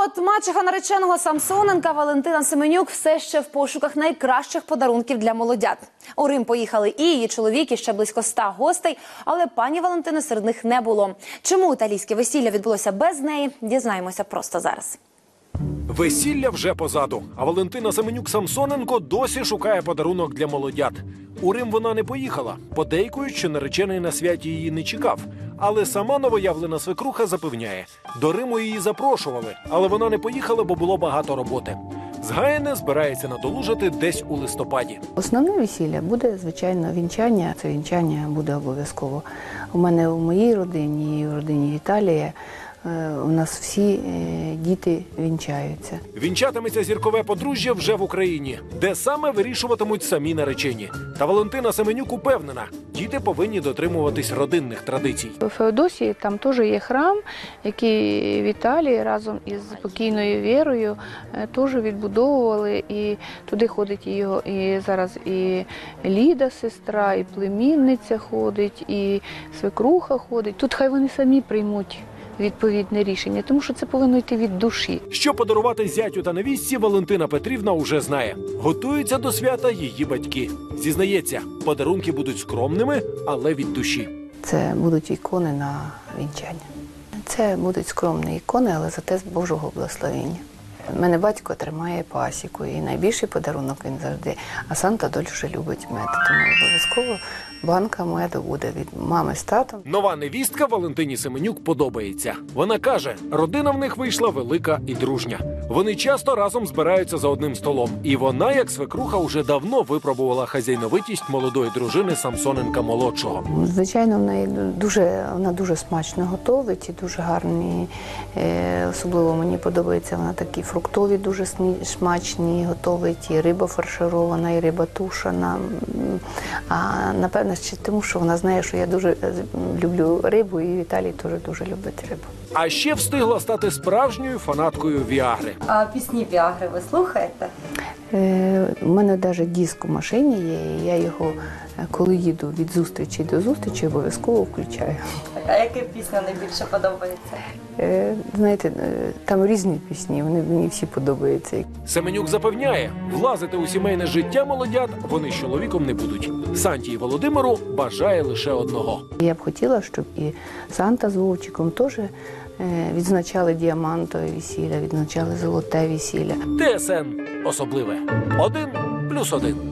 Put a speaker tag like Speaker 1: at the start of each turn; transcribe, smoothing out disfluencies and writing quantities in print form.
Speaker 1: от мачеха нареченого Самсоненка Валентина Семенюк все ще в пошуках найкращих подарунків для молодят. У Рим поїхали і її чоловік, і ще близько 100 гостей, але пані Валентини серед них не було. Чому італійське весілля відбулося без неї, дізнаємося просто зараз.
Speaker 2: Весілля вже позаду, а Валентина Семенюк-Самсоненко досі шукає подарунок для молодят. У Рим вона не поїхала, подейкують, що наречений на святі її не чекав. Але сама новоявлена свекруха запевняє, до Риму її запрошували, але вона не поїхала, бо було багато роботи. Згаяне збирається надолужити десь у листопаді.
Speaker 3: Основне весілля буде, звичайно, вінчання. Це вінчання буде обов'язково. У мене у моїй родині і в родині Віталія у нас всі діти вінчаються.
Speaker 2: Вінчатиметься зіркове подружжя вже в Україні, де саме вирішуватимуть самі наречені. Та Валентина Семенюк упевнена, діти повинні дотримуватись родинних традицій.
Speaker 3: У Феодосії там теж є храм, який в Італії разом із покійною Вірою теж відбудовували. І туди ходить його і зараз і Ліда, сестра, і племінниця ходить, і свекруха ходить. Тут хай вони самі приймуть відповідне рішення, тому що це повинно йти від душі.
Speaker 2: Що подарувати зятю та невістці, Валентина Петрівна уже знає. Готуються до свята її батьки. Зізнається, подарунки будуть скромними, але від душі.
Speaker 3: Це будуть ікони на вінчання. Це будуть скромні ікони, але зате з Божого благословення. У мене батько тримає пасіку, і найбільший подарунок він завжди. А Санта дуже любить мед, тому обов'язково банка меду буде від мами з татом.
Speaker 2: Нова невістка Валентині Семенюк подобається. Вона каже, родина в них вийшла велика і дружня. Вони часто разом збираються за одним столом. І вона, як свекруха, уже давно випробувала хазяйновитість молодої дружини Самсоненка-молодшого.
Speaker 3: Звичайно, вона дуже смачно готовить і дуже гарні. Особливо мені подобається, вона такі фруктові дуже смачні готовить, і риба фарширована, і риба тушена. А напевно, ще тому, що вона знає, що я дуже люблю рибу, і Віталій теж дуже любить рибу.
Speaker 2: А ще встигла стати справжньою фанаткою Віагри.
Speaker 4: А пісні Віагри ви слухаєте?
Speaker 3: У мене навіть диск у машині є, і я його, коли їду від зустрічі до зустрічі, обов'язково включаю.
Speaker 4: А яка пісня найбільше подобається?
Speaker 3: Знаєте, там різні пісні, вони мені всі подобаються.
Speaker 2: Семенюк запевняє, влазити у сімейне життя молодят вони з чоловіком не будуть. Санті і Володимиру бажає лише одного.
Speaker 3: Я б хотіла, щоб і Санта з Вовчиком теж відзначали діамантове весілля, відзначали золоте весілля.
Speaker 2: ТСН особливе. 1+1.